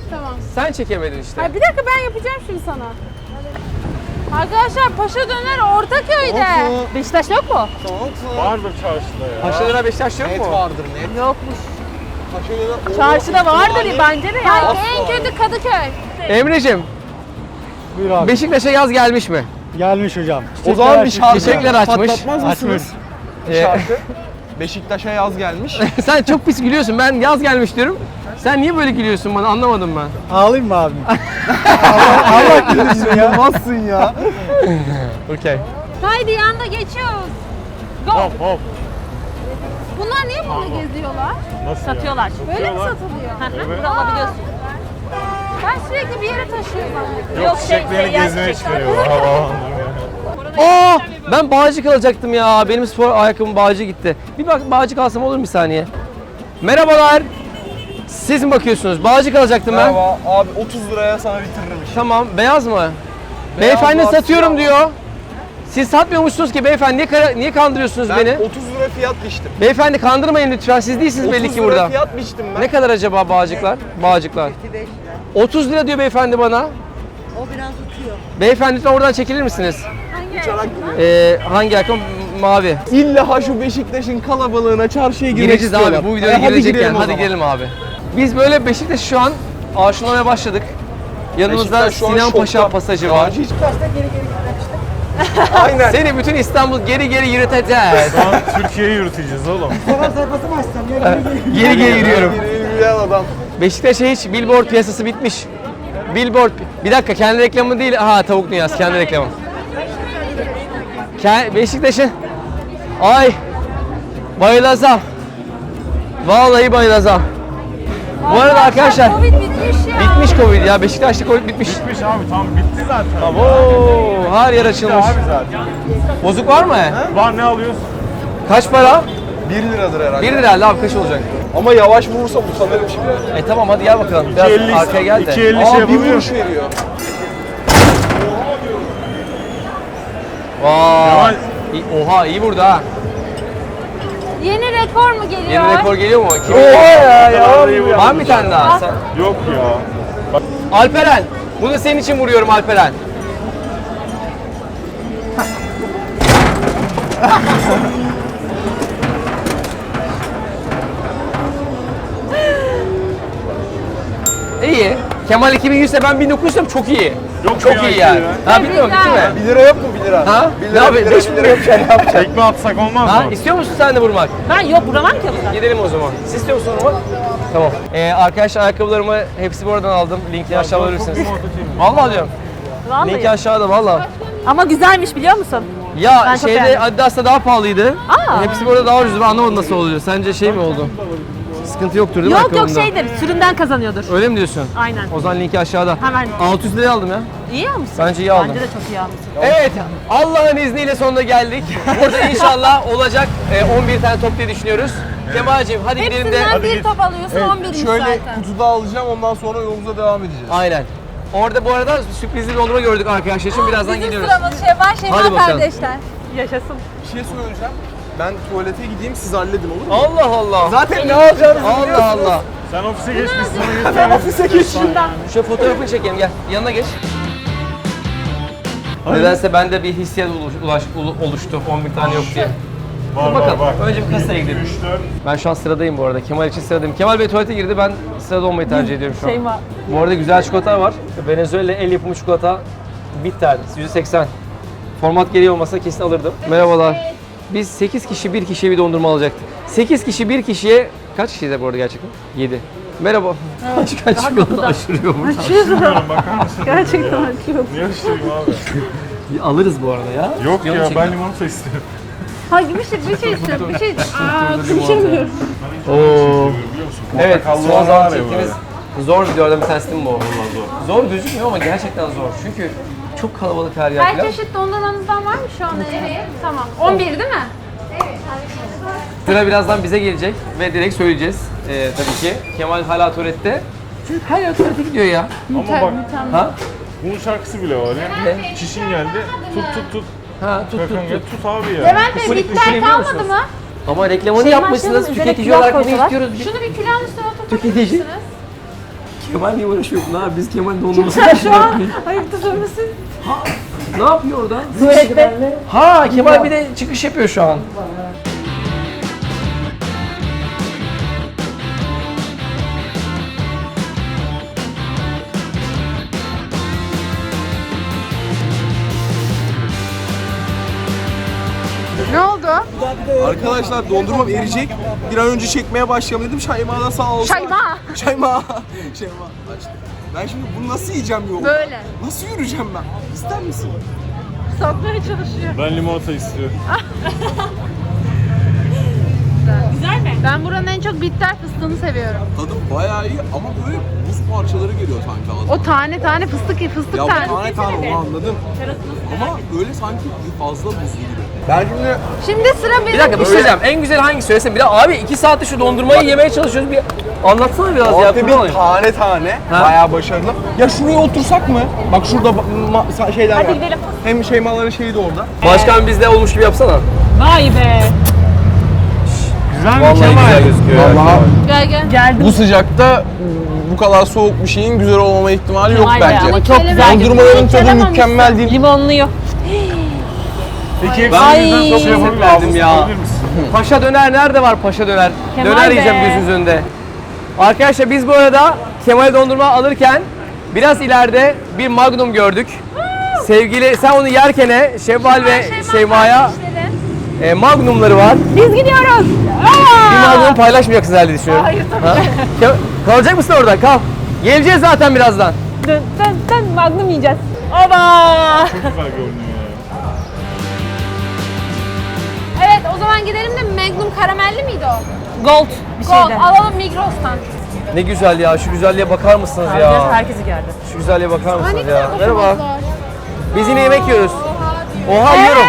Speaker 5: Tamam.
Speaker 2: Sen çekemedin işte.
Speaker 5: Hayır bir dakika ben yapacağım şimdi sana. Arkadaşlar Paşa Döner Ortaköy'de. Beşiktaş yok mu?
Speaker 3: Vardır çarşıda ya.
Speaker 2: Paşalara Beşiktaş yok
Speaker 1: Net
Speaker 2: mu?
Speaker 1: vardır net.
Speaker 5: Yokmuş.
Speaker 1: Paşa'da
Speaker 5: Çarşıda vardır bence de yani. En kötü Kadıköy.
Speaker 2: Emre'cim,
Speaker 6: Buyur abi.
Speaker 2: Beşiktaş'a yaz gelmiş mi?
Speaker 6: Gelmiş hocam.
Speaker 1: O zaman bir şarkı
Speaker 2: Çiçekler açmış.
Speaker 1: patlatmaz mısınız? Bir
Speaker 2: Ee,
Speaker 1: şarkı. Beşiktaş'a yaz gelmiş.
Speaker 2: Sen çok pis gülüyorsun. Ben yaz gelmiş diyorum. Sen niye böyle gülüyorsun bana? Anlamadım ben.
Speaker 6: Ağlayayım mı abi? Allah, Allah güldürsün ya.
Speaker 1: Yapamazsın ya.
Speaker 2: Okey.
Speaker 5: Haydi yanda geçiyoruz. Go.
Speaker 3: Hop hop.
Speaker 5: Bunlar niye burada geziyorlar?
Speaker 3: Nasıl
Speaker 4: Satıyorlar.
Speaker 3: ya?
Speaker 5: Böyle mi
Speaker 3: Satıyorlar.
Speaker 5: satılıyor?
Speaker 4: Hı hı,
Speaker 3: Evet.
Speaker 4: Burada alabiliyorsun.
Speaker 5: Ben sürekli bir yere taşıyorum.
Speaker 3: Yok
Speaker 4: şey,
Speaker 3: çiçeklerini
Speaker 4: seyyar
Speaker 3: gezmeye
Speaker 4: çiçekler.
Speaker 3: çıkarıyorlar. Havalandırmaya.
Speaker 2: Aa, ben Bağcık alacaktım ya. Benim spor ayakkabım Bağcık'a gitti. Bir bak Bağcık alsam olur mu bir saniye? Merhabalar. Siz mi bakıyorsunuz? Bağcık alacaktım ben.
Speaker 1: Merhaba abi otuz liraya sana bitiririm işi.
Speaker 2: Tamam, beyaz mı? Beyefendi
Speaker 1: var,
Speaker 2: satıyorum
Speaker 1: siyah
Speaker 2: diyor. Siz satmıyormuşsunuz ki beyefendi. Niye, kara- niye kandırıyorsunuz
Speaker 1: Ben
Speaker 2: beni?
Speaker 1: otuz lira fiyat biçtim.
Speaker 2: Beyefendi kandırmayın lütfen. Siz değilsiniz belli
Speaker 1: otuz
Speaker 2: ki
Speaker 1: lira
Speaker 2: burada.
Speaker 1: fiyat biçtim ben.
Speaker 2: Ne kadar acaba Bağcıklar? Bağcıklar. otuz lira diyor beyefendi bana.
Speaker 7: O biraz uçuyor.
Speaker 2: Beyefendi lütfen oradan çekilir misiniz?
Speaker 1: Uçarak gidiyor.
Speaker 2: Ee, hangi ayakkabı? Mavi.
Speaker 1: İlla ha şu Beşiktaş'ın kalabalığına çarşıya girmek
Speaker 2: Gireceğiz
Speaker 1: istiyorlar.
Speaker 2: abi. Bu videoya
Speaker 1: E, hadi
Speaker 2: girecekken
Speaker 1: girelim o
Speaker 2: hadi
Speaker 1: zaman.
Speaker 2: girelim abi. Biz böyle Beşiktaş şu an aşılamaya başladık. Yanımızda
Speaker 1: Beşiktaş şu an
Speaker 2: Sinan Paşa
Speaker 1: şokta.
Speaker 2: pasajı var.
Speaker 1: Hiç Aynen.
Speaker 2: Seni bütün İstanbul geri geri yürüteceğiz.
Speaker 3: Şu an Türkiye'yi yürüteceğiz oğlum.
Speaker 6: Fotoğraf sayfası mı açsam ya?
Speaker 2: Geri geri yürüyorum.
Speaker 1: Yürüyen adam.
Speaker 2: Beşiktaş'a hiç billboard piyasası bitmiş. Billboard. Bir dakika kendi reklamı değil. Ha tavuk dünyası kendi reklamı. Ke- Beşiktaş'ın ay bayılacağım. Vallahi bayılacağım. Bu arada arkadaşlar
Speaker 5: Covid bitmiş ya.
Speaker 2: bitmiş Covid ya. Beşiktaş'ta Covid bitmiş.
Speaker 3: Bitmiş abi tam bitti zaten.
Speaker 2: Oo, her yer
Speaker 3: Bitti
Speaker 2: açılmış.
Speaker 3: abi zaten.
Speaker 2: Bozuk var mı?
Speaker 3: Var ne alıyorsun?
Speaker 2: Kaç para?
Speaker 1: bir liradır herhalde.
Speaker 2: bir lira abi kaç olacak?
Speaker 1: Ama yavaş vurursam utanırım şimdi.
Speaker 2: E tamam hadi gel bakalım. Biraz
Speaker 3: iki elli
Speaker 2: arkaya gel de.
Speaker 3: iki elli şey
Speaker 1: Aa bir
Speaker 3: yapabiliyor.
Speaker 1: vuruş veriyor.
Speaker 2: Vay.
Speaker 3: Kemal.
Speaker 2: İyi- Oha iyi vurdu ha.
Speaker 5: Yeni rekor mu geliyor?
Speaker 2: Yeni rekor geliyor mu? Kim?
Speaker 1: Oha ya ya.
Speaker 2: Var mı bir tane daha? Sen-
Speaker 3: Yok ya. Bak
Speaker 2: Alperen. Bunu senin için vuruyorum Alperen. İyi. Kemal iki bin yüzse ben bin dokuz yüzsem çok iyi.
Speaker 3: Yok
Speaker 2: çok
Speaker 3: ya,
Speaker 2: iyi
Speaker 3: iki
Speaker 2: yani.
Speaker 3: lira.
Speaker 2: Ha bitti mi? Bitti mi?
Speaker 1: bir lira yok mu bir lira?
Speaker 2: Ha?
Speaker 1: bir
Speaker 2: Ne
Speaker 1: lira, bir
Speaker 2: yapayım?
Speaker 1: lira,
Speaker 2: Beş
Speaker 1: bir
Speaker 2: mi
Speaker 1: lira.
Speaker 2: yok yani? Ne yapacağım?
Speaker 3: tekme atsak olmaz
Speaker 2: Ha?
Speaker 3: mı?
Speaker 2: İstiyor musun sen de vurmak?
Speaker 4: Ben yok vuramam ki o kadar.
Speaker 2: Gidelim o zaman. Siz istiyor musun vurmak? Tamam. Ee, arkadaşlar ayakkabılarımı hepsi buradan aldım. Linkini aşağı verirsiniz. Vallahi diyorum.
Speaker 4: Vallahi.
Speaker 2: Linki aşağıda vallahi.
Speaker 4: Ama güzelmiş biliyor musun?
Speaker 2: Ya
Speaker 4: Ben çok
Speaker 2: şeyde
Speaker 4: beğendim.
Speaker 2: Adidas'ta daha pahalıydı.
Speaker 4: Aa.
Speaker 2: Hepsi burada daha ucuz. Ben anlamadım nasıl oluyor. Sence şey mi oldu? Sıkıntı yoktur değil mi
Speaker 4: Yok yok
Speaker 2: ayakkabında?
Speaker 4: şeydir. Sürümden kazanıyordur.
Speaker 2: Öyle mi diyorsun?
Speaker 4: Aynen.
Speaker 2: O zaman linki aşağıda.
Speaker 4: Hemen.
Speaker 2: altı yüz liraya aldım ya.
Speaker 4: İyi almışsın.
Speaker 2: Bence iyi aldım.
Speaker 4: Bence de çok iyi almışsın.
Speaker 2: Evet, Allah'ın izniyle sonuna geldik. Burada inşallah olacak e, on bir tane top diye düşünüyoruz. Kemal'cim hadi gidelim de.
Speaker 5: Hepsinden bir top alıyorsun on birmiş
Speaker 1: Şöyle
Speaker 5: zaten.
Speaker 1: kutuda alacağım ondan sonra yolumuza devam edeceğiz.
Speaker 2: Aynen. Orada bu arada sürprizli dondurma gördük arkadaşlar için birazdan
Speaker 5: Bizim
Speaker 2: gidiyoruz.
Speaker 5: sıramız Şevval
Speaker 2: Hadi
Speaker 5: Şevval
Speaker 2: bakalım.
Speaker 5: kardeşler.
Speaker 4: Yaşasın.
Speaker 1: Bir şey söyleyeceğim. Ben tuvalete gideyim siz halledin olur mu?
Speaker 2: Allah Allah.
Speaker 1: Zaten ne alacağınızı
Speaker 2: Allah Allah.
Speaker 3: Sen ofise geç biz sana götürelim.
Speaker 1: ofise geçeyim.
Speaker 2: Şu fotoğrafını çekelim gel. Yanına geç. Nedense bende bir hissiyat ulaş, ulaş- ulu- oluştu on bir tane yok diye.
Speaker 3: Var
Speaker 2: Bakalım.
Speaker 3: var var.
Speaker 2: Önce bir kasaya gidelim.
Speaker 3: üç dört.
Speaker 2: Ben şu an sıradayım bu arada. Kemal için sıradayım. Kemal Bey tuvalete girdi. Ben sırada olmayı tercih ediyorum şu an.
Speaker 4: Şey var.
Speaker 2: Bu arada güzel çikolatalar var. Venezuela el yapımı çikolata bitter yüz seksen. Format gereği olmasa kesin alırdım. Merhabalar. Biz sekiz kişi bir kişiye bir dondurma alacaktık. sekiz kişi bir kişiye kaç kişiyiz bu arada gerçekten? yedi. Merhaba. Kaç kaç çikolata aşırıyor burada.
Speaker 3: Bilmiyorum bakar mısın?
Speaker 4: Gerçekten açıyor.
Speaker 3: Niye açtırayım abi?
Speaker 2: Alırız bu arada ya.
Speaker 3: Yok
Speaker 2: Yanı
Speaker 3: ya
Speaker 2: çekin.
Speaker 3: ben limonata istiyorum.
Speaker 5: Hayır bir şey bir şey istiyorum bir şey. Aa konuşamıyorum.
Speaker 2: Oo.
Speaker 3: Biliyor musun?
Speaker 2: Evet,
Speaker 3: Portakallı
Speaker 2: son
Speaker 3: olan
Speaker 2: zaman
Speaker 3: var ya
Speaker 2: çektiğimiz zor videolardan bir tanesi değil mi bu? Vallahi zor. Zor gözükmüyor ama gerçekten zor. Çünkü çok kalabalık her yer
Speaker 5: Her
Speaker 2: falan.
Speaker 5: çeşit dondurmanızdan var mı şu anda? Evet. Tamam. on bir değil mi?
Speaker 2: Sıra birazdan bize gelecek ve direkt söyleyeceğiz ee, tabii ki. Kemal hala tuvalette. Çünkü her yer tuvalete gidiyor ya.
Speaker 3: Ama bak
Speaker 2: Ha?
Speaker 3: bunun şarkısı bile var ya.
Speaker 2: Ne?
Speaker 3: Çişin geldi. Tut tut tut.
Speaker 2: Ha tut tut
Speaker 3: Kakan gel
Speaker 2: tut.
Speaker 3: tut abi ya.
Speaker 5: Levent Bey
Speaker 2: Usulü-
Speaker 5: bitter
Speaker 2: usulü biliyor
Speaker 5: kalmadı
Speaker 2: musunuz?
Speaker 5: mı?
Speaker 2: Ama reklamını
Speaker 4: Şey
Speaker 2: yapmışsınız.
Speaker 4: başlayalım, üzerine
Speaker 2: Tüketici
Speaker 4: pilav
Speaker 2: olarak bunu
Speaker 4: koysalar.
Speaker 2: istiyoruz.
Speaker 5: Şunu bir külahın üstüne
Speaker 2: Tüketici.
Speaker 5: oturtabilirsiniz.
Speaker 2: Kemal niye uğraşıyor bunlar? Abi biz Kemal'in dondurmasını
Speaker 4: Şu
Speaker 2: düşünüyoruz.
Speaker 4: an ayıptı sorması.
Speaker 2: Ne yapıyor orada?
Speaker 4: Tuvalette.
Speaker 2: Ha Kemal bir de çıkış yapıyor şu an.
Speaker 5: Ne oldu?
Speaker 1: Arkadaşlar dondurmam eriyecek. Bir an önce çekmeye başlayalım dedim. Şeyma da sağ olsun.
Speaker 5: Şeyma.
Speaker 1: Şeyma. Şeyma. Açtı. Ben şimdi bunu nasıl yiyeceğim yolda?
Speaker 5: Böyle.
Speaker 1: Nasıl yürüyeceğim ben? İster misin?
Speaker 4: Satmaya çalışıyor.
Speaker 3: Ben limonata istiyorum.
Speaker 4: Güzel mi?
Speaker 5: Ben buranın en çok bitter fıstığını seviyorum.
Speaker 1: Tadı bayağı iyi ama böyle buz parçaları geliyor sanki ağzıma.
Speaker 5: O tane tane fıstık fıstık
Speaker 1: Ya bu
Speaker 5: tanesi.
Speaker 1: tane tane onu anladım. Ama böyle sanki fazla buzlu gibi. Ben şimdi
Speaker 5: Şimdi sıra benim.
Speaker 2: Bir dakika bir şey diyeceğim. En güzel hangisi söylesene. Bir de abi iki saattir şu dondurmayı yemeye çalışıyoruz. Bir anlatsana biraz ya.
Speaker 1: orta
Speaker 2: kurban
Speaker 1: bir
Speaker 2: olayım.
Speaker 1: tane tane
Speaker 2: Ha?
Speaker 1: bayağı başarılı. Ya şuraya otursak mı? Bak şurada ba- ma- sa- şeyler var.
Speaker 4: Hadi gidelim.
Speaker 1: Hem Şeymaların şeyi de orada.
Speaker 2: Başkan bizde olmuş gibi yapsana.
Speaker 4: Vay be.
Speaker 3: Güzel mi
Speaker 2: Vallahi
Speaker 3: Kemal?
Speaker 2: güzel gözüküyor.
Speaker 1: Vallahi
Speaker 5: Gel gel.
Speaker 4: Geldim.
Speaker 1: bu sıcakta bu kadar soğuk bir şeyin güzel olmama ihtimali yok
Speaker 4: Vay be,
Speaker 1: bence.
Speaker 4: ama çok güzel.
Speaker 1: Dondurmaların tadı
Speaker 4: Kelemem
Speaker 1: mükemmel
Speaker 4: misin?
Speaker 1: değil.
Speaker 4: Limonluyor.
Speaker 3: Peki
Speaker 2: Ben
Speaker 3: hepsi
Speaker 2: yüzden
Speaker 3: birden
Speaker 2: çok
Speaker 3: şey
Speaker 2: özür
Speaker 3: yapabilir
Speaker 2: verdim
Speaker 3: misin?
Speaker 2: ya.
Speaker 3: Yapabilir misin?
Speaker 2: Paşa döner nerede var paşa döner?
Speaker 4: Kemal
Speaker 2: döner
Speaker 4: be.
Speaker 2: yiyeceğim gözünüzün önünde. Arkadaşlar biz bu arada Kemal dondurma alırken biraz ileride bir Magnum gördük. Sevgili sen onu yerken Şevval ve Şeyma'ya e, Magnumları var.
Speaker 4: Biz gidiyoruz.
Speaker 2: Bir Magnum paylaşmayacaksınız herhalde düşünüyorum.
Speaker 4: Hayır tabii.
Speaker 2: Ha? Ke- Kalacak mısın orada? Kal. Geleceğiz zaten birazdan.
Speaker 4: Dön dön dön Magnum yiyeceğiz. Oba.
Speaker 3: Çok güzel görünüyor ya.
Speaker 5: Evet o zaman gidelim de Magnum karamelli miydi o?
Speaker 4: Gold bir
Speaker 5: Gold
Speaker 4: şeydi.
Speaker 5: alalım Migros'tan.
Speaker 2: Ne güzel ya. Şu güzelliğe bakar mısınız
Speaker 4: Biraz
Speaker 2: ya?
Speaker 4: herkesi geldi.
Speaker 2: Şu güzelliğe bakar
Speaker 5: Aa, ne
Speaker 2: mısınız
Speaker 5: güzel
Speaker 2: ya? Merhaba.
Speaker 5: koşamazlar.
Speaker 2: Biz yine yemek yiyoruz. Oha yiyorum.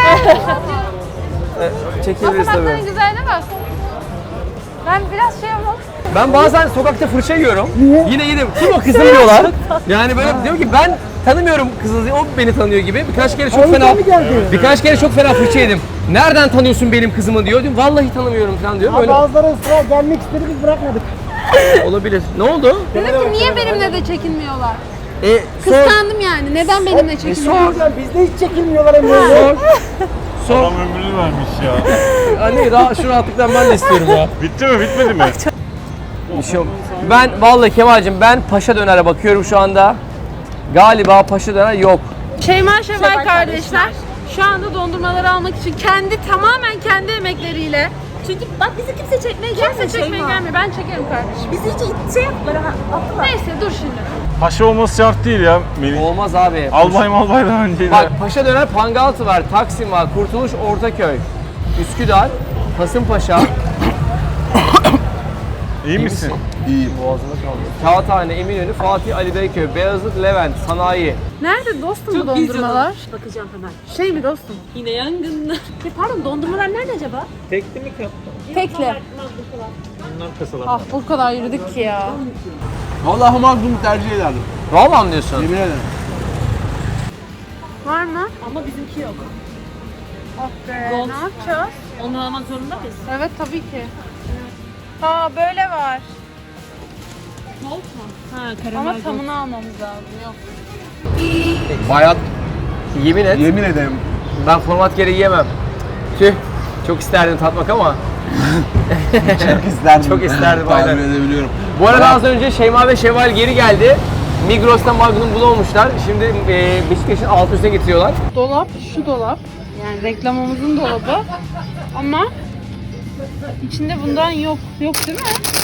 Speaker 2: E, Çekebiliriz tabii.
Speaker 5: Basamakların güzelliğine bak. Ben biraz şey yapalım.
Speaker 2: Ben bazen sokakta fırça yiyorum. Yine yedim. Kim o kızım diyorlar. Yani böyle diyor ki ben tanımıyorum kızınızı. O beni tanıyor gibi. Birkaç kere çok fena birkaç kere çok fena fırça yedim. Nereden tanıyorsun benim kızımı diyor. Diyorum vallahi tanımıyorum falan diyor. Böyle
Speaker 6: Bazıları ısrar gelmek istedi biz bırakmadık.
Speaker 2: olabilir. Ne oldu?
Speaker 5: Dedim ki niye benimle de çekinmiyorlar?
Speaker 2: E, sor.
Speaker 5: Kıskandım yani. Neden benimle çekinmiyorlar?
Speaker 6: Bizde hiç çekilmiyorlar Emre.
Speaker 2: Sor. Sor.
Speaker 3: Adam ömrünü vermiş ya.
Speaker 2: Anne rahat, şu rahatlıktan ben de istiyorum ya.
Speaker 3: Bitti mi bitmedi mi?
Speaker 2: Bir şey yok. Ben vallahi Kemal'cim ben Paşa Döner'e bakıyorum şu anda. Galiba Paşa Döner yok.
Speaker 5: Şeyma Şevval kardeşler şu anda dondurmaları almak için kendi tamamen kendi emekleriyle.
Speaker 4: Çünkü bak bizi kimse çekmeye
Speaker 5: Kimse
Speaker 4: gelmiyor.
Speaker 5: çekmeye
Speaker 4: Şeyma.
Speaker 5: gelmiyor. Ben çekerim kardeşim.
Speaker 4: Bizi hiç şey yaptılar ha. Attılar.
Speaker 5: Neyse dur şimdi.
Speaker 3: Paşa olması şart değil ya Melih.
Speaker 2: Olmaz abi.
Speaker 3: Albay malbay daha önceydi.
Speaker 2: Bak Paşa Döner Pangaltı var, Taksim var, Kurtuluş Ortaköy, Üsküdar, Kasımpaşa.
Speaker 3: İyi misin?
Speaker 1: İyiyim.
Speaker 2: Boğazına kaldı. Kağıthane, Eminönü, Fatih Ali Beyköy, Beyazıt, Levent, Sanayi.
Speaker 5: Nerede dostum bu dondurmalar?
Speaker 4: Bakacağım hemen.
Speaker 5: Şey mi dostum?
Speaker 4: Yine yangınlar. Ya pardon dondurmalar nerede acaba?
Speaker 5: Tekli. Ah bu kadar yürüdük ki ya.
Speaker 1: Vallahi Magnum'u tercih ederdim.
Speaker 2: Vallahi mı diyorsun?
Speaker 1: Yemin ederim.
Speaker 5: Var mı?
Speaker 4: Ama bizimki yok.
Speaker 5: Ah be.
Speaker 4: Gold.
Speaker 5: Ne yapacağız?
Speaker 4: Onu almak zorunda mıyız?
Speaker 5: Evet tabii ki. Ha böyle var.
Speaker 4: Gold mu? Ha karamel
Speaker 5: Ama
Speaker 4: gold.
Speaker 5: tamını almamız lazım. Yok.
Speaker 2: Bayat. Yemin et.
Speaker 1: Yemin ederim.
Speaker 2: Ben format gereği yemem. Tüh. Çok isterdim tatmak ama.
Speaker 1: Çok isterdim.
Speaker 2: Çok isterdim,
Speaker 1: Tahmin
Speaker 2: aynen.
Speaker 1: edebiliyorum.
Speaker 2: Bu arada az önce Şeyma ve Şevval geri geldi. Migros'tan Magnum bulamamışlar. Şimdi e, Beşiktaş'ın alt üstüne getiriyorlar.
Speaker 5: Dolap şu dolap. Yani reklamımızın dolabı. Ama içinde bundan yok. Yok değil mi?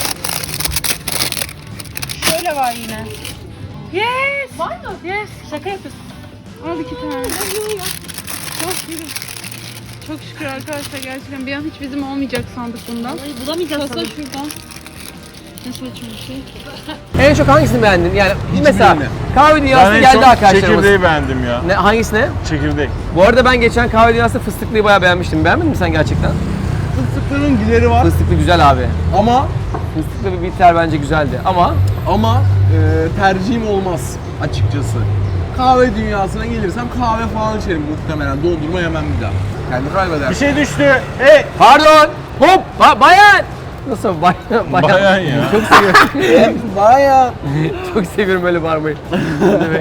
Speaker 5: Şöyle var yine. Yes! Var mı? Yes.
Speaker 4: Şaka yapıyorsun.
Speaker 5: Al iki tane. Çok şükür. Çok şükür arkadaşlar gerçekten bir an hiç bizim olmayacak sandık bundan.
Speaker 4: Vallahi bulamayacağız
Speaker 5: Kasa
Speaker 4: sanırım.
Speaker 5: şuradan. Ne saçma bir şey.
Speaker 2: En çok hangisini beğendin? Yani mesela
Speaker 1: birini.
Speaker 2: kahve
Speaker 3: Ben
Speaker 2: dünyasına
Speaker 3: en
Speaker 2: geldi
Speaker 3: çok
Speaker 2: arkadaşlarımız.
Speaker 3: çekirdeği beğendim ya.
Speaker 2: Ne, hangisine?
Speaker 3: Çekirdek.
Speaker 2: Bu arada ben geçen kahve dünyasında fıstıklıyı bayağı beğenmiştim. Beğenmedin mi sen gerçekten?
Speaker 1: Fıstıkların gideri var
Speaker 2: Fıstıklı güzel abi.
Speaker 1: ama
Speaker 2: Fıstıklı bir bitter bence güzeldi ama
Speaker 1: ama e, tercihim olmaz açıkçası. Kahve dünyasına gelirsem kahve falan içerim muhtemelen. Dondurma yemem bir daha. Kendi kaybeder.
Speaker 3: Bir şey düştü. Hey!
Speaker 2: pardon hop ba- bayan Nasıl? Bayağı, bayağı.
Speaker 3: Bayan ya.
Speaker 2: Çok seviyorum.
Speaker 1: Bayağı.
Speaker 2: Çok seviyorum öyle bağırmayı. Ne demek?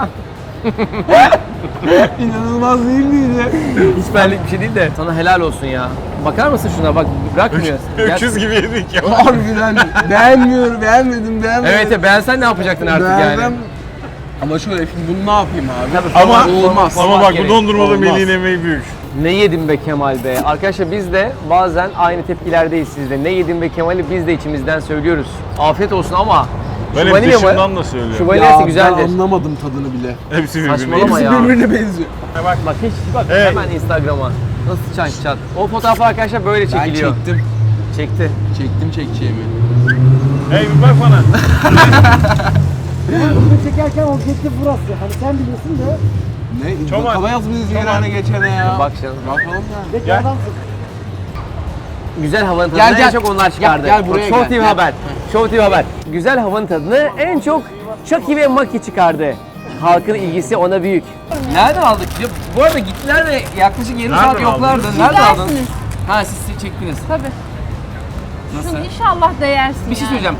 Speaker 1: İnanılmaz değil miydi?
Speaker 2: Hiç benlik bir şey değil de. Sana helal olsun ya. Bakar mısın şuna bak bırakmıyor.
Speaker 3: Öküz gibi yedik ya.
Speaker 1: Harbiden beğenmiyorum, beğenmedim, beğenmedim.
Speaker 2: Evet ya beğensen ne yapacaktın artık
Speaker 1: Beğenmem.
Speaker 2: yani?
Speaker 1: Ama şöyle şimdi bunu ne yapayım abi?
Speaker 2: Tabii,
Speaker 3: Ama
Speaker 2: format-
Speaker 1: olmaz.
Speaker 2: format
Speaker 3: Ama bak
Speaker 2: gereği.
Speaker 3: bu dondurmalı
Speaker 1: Olmaz.
Speaker 3: Melih'in emeği büyük.
Speaker 2: Ne yedim be Kemal be? Arkadaşlar biz de bazen aynı tepkilerdeyiz sizde. Ne yedim be Kemal'i biz de içimizden söylüyoruz. Afiyet olsun ama
Speaker 3: Ben
Speaker 2: şu
Speaker 3: hep
Speaker 2: vanilya mı?
Speaker 3: dışımdan da söylüyorum.
Speaker 2: Şu
Speaker 1: Ya
Speaker 2: vanilyası
Speaker 1: ben
Speaker 2: güzeldir.
Speaker 1: anlamadım tadını bile.
Speaker 3: Hepsi birbirine.
Speaker 2: Saçmalama
Speaker 1: Hepsi
Speaker 2: ya.
Speaker 1: birbirine benziyor.
Speaker 2: Bak bak hiç bak
Speaker 3: Evet.
Speaker 2: hemen Instagram'a. Nasıl çat çat. O fotoğraflar arkadaşlar böyle
Speaker 1: Ben
Speaker 2: çekiliyor.
Speaker 1: çektim.
Speaker 2: Çekti.
Speaker 1: Çektim çekeceğimi.
Speaker 3: Hey bir bak bana.
Speaker 6: Bunu çekerken objektif burası. Hani sen biliyorsun da
Speaker 1: Ne?
Speaker 3: Çoban.
Speaker 1: Bakalım yazmışız
Speaker 3: Çoban.
Speaker 1: yerine geçene ya.
Speaker 2: Bak canım.
Speaker 1: Bakalım ya.
Speaker 6: zeki
Speaker 3: Gel.
Speaker 6: adamsın.
Speaker 2: Güzel havanın
Speaker 1: Gel,
Speaker 2: tadını en
Speaker 1: gel.
Speaker 2: çok onlar çıkardı.
Speaker 1: Gel, gel buraya
Speaker 2: Bak, Show
Speaker 1: gel.
Speaker 2: T V
Speaker 1: Gel.
Speaker 2: Haber. Show T V Haber. Güzel havanın tadını en çok Chucky ve Maki çıkardı. Halkın ilgisi ona büyük. Nereden aldık? Ya, bu arada gittiler ve yaklaşık yarım
Speaker 3: Nereden
Speaker 2: saat yoklardı.
Speaker 3: aldınız?
Speaker 2: Nereden aldın?
Speaker 4: Dersiniz.
Speaker 2: Ha siz siz çektiniz.
Speaker 4: Tabii.
Speaker 2: Nasıl?
Speaker 4: Şunu inşallah değersin
Speaker 2: Bir şey
Speaker 4: yani.
Speaker 2: söyleyeceğim.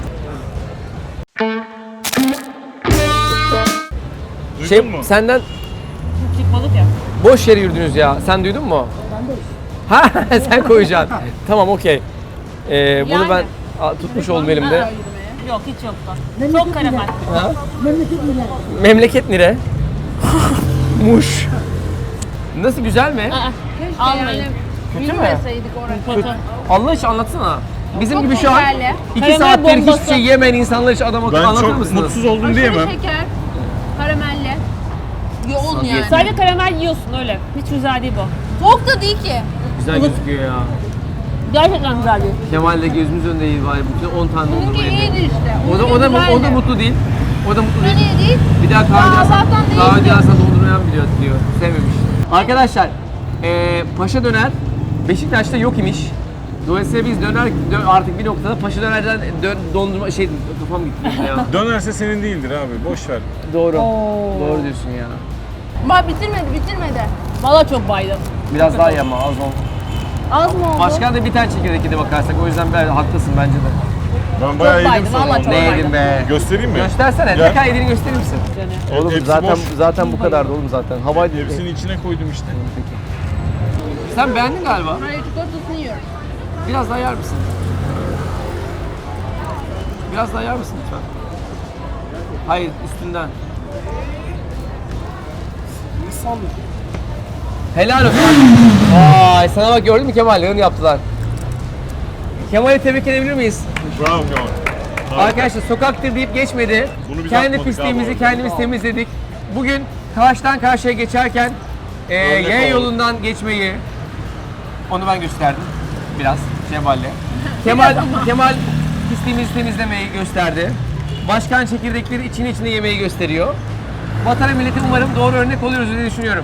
Speaker 3: Duydun
Speaker 2: Şey
Speaker 3: mu?
Speaker 2: senden
Speaker 4: Çıkmadık ya.
Speaker 2: boş yere yürüdünüz ya. Sen duydun mu? Ha sen koyacaksın. Tamam okey. Ee, bunu
Speaker 4: Yani.
Speaker 2: ben a, tutmuş oldum elimde.
Speaker 4: Yok hiç yoktu.
Speaker 6: Memleket
Speaker 4: Çok karamel.
Speaker 2: Ha?
Speaker 6: Memleket mi?
Speaker 2: Memleket nere? Muş. Nasıl güzel mi?
Speaker 4: Almayın.
Speaker 2: Kötü mü?
Speaker 4: Kötü.
Speaker 2: Allah için anlatsana. Bizim
Speaker 4: Çok
Speaker 2: gibi şu an
Speaker 4: şekerli.
Speaker 2: iki
Speaker 4: Karamel
Speaker 2: saattir hiçbir
Speaker 4: bombası.
Speaker 2: şey yemeyen insanlar için adam akıllı
Speaker 3: Ben
Speaker 2: anlatır
Speaker 3: çok
Speaker 2: mısınız?
Speaker 3: mutsuz oldum diyemem.
Speaker 4: şeker. Karamelli. Yoğun
Speaker 2: yani.
Speaker 4: Sadece karamel yiyorsun öyle. Hiç güzel değil bu. Soğuk da değil ki.
Speaker 2: Güzel gözüküyor ya.
Speaker 4: Gerçekten güzel değil.
Speaker 2: Kemal de gözümüz önünde iyi var. Bütün on tane dondurma
Speaker 4: Bununki
Speaker 2: yedi.
Speaker 4: iyiydi işte.
Speaker 2: O da, o da, o da mutlu değil. O da mutlu değil.
Speaker 4: iyi değil.
Speaker 2: Bir daha kahve
Speaker 4: Aa,
Speaker 2: alsan,
Speaker 4: zaten değişti.
Speaker 2: kahve alsan dondurmayan biliyor diyor. Sevmemiş. Arkadaşlar, eee Paşa Döner Beşiktaş'ta yok imiş. Dolayısıyla biz döner dö- artık bir noktada Paşa Döner'den dön, dondurma şey kafam gitti ya.
Speaker 3: Dönerse senin değildir abi. Boş ver.
Speaker 2: Doğru. Doğru diyorsun ya.
Speaker 4: Ama bitirmedi bitirmedi. Valla çok baydım.
Speaker 2: Biraz daha iyi ama az oldu.
Speaker 4: Az mı oldu?
Speaker 2: Başkan da bir tane çekirdek yedi bakarsak o yüzden ben haklısın bence de.
Speaker 3: Ben bayağı yedim
Speaker 4: baydım,
Speaker 3: sana.
Speaker 4: vallahi çok
Speaker 3: ondan.
Speaker 2: Ne yedin be?
Speaker 3: Göstereyim mi?
Speaker 2: Göstersene.
Speaker 3: Gel.
Speaker 2: Ne kadar yediğini gösterir misin? Oğlum
Speaker 3: Hepsi
Speaker 2: zaten
Speaker 3: boş.
Speaker 2: zaten bu kadardı oğlum zaten. Havaydı.
Speaker 3: Hepsini içine koydum işte.
Speaker 2: Sen beğendin galiba.
Speaker 4: Hayır çikolatasını yiyorum.
Speaker 2: Biraz daha yer misin? Biraz daha yer misin lütfen? Hayır, üstünden. Helal olsun. Vay, sana bak gördün mü Kemal? Yarın yaptılar. Kemal'i tebrik edebilir miyiz?
Speaker 3: Bravo Kemal.
Speaker 2: Arkadaşlar sokaktır deyip geçmedi.
Speaker 3: Bunu biz
Speaker 2: Kendi
Speaker 3: yapmadık
Speaker 2: pisliğimizi
Speaker 3: abi.
Speaker 2: kendimiz temizledik. Bugün karşıdan karşıya geçerken e,
Speaker 3: Örnek
Speaker 2: yaya
Speaker 3: olalım.
Speaker 2: yolundan geçmeyi onu ben gösterdim biraz Kemal'le. Kemal Kemal pisliğimizi temizlemeyi gösterdi. Başkan çekirdekleri içine içine yemeyi gösteriyor. Vatana millete umarım doğru örnek oluyoruz diye düşünüyorum.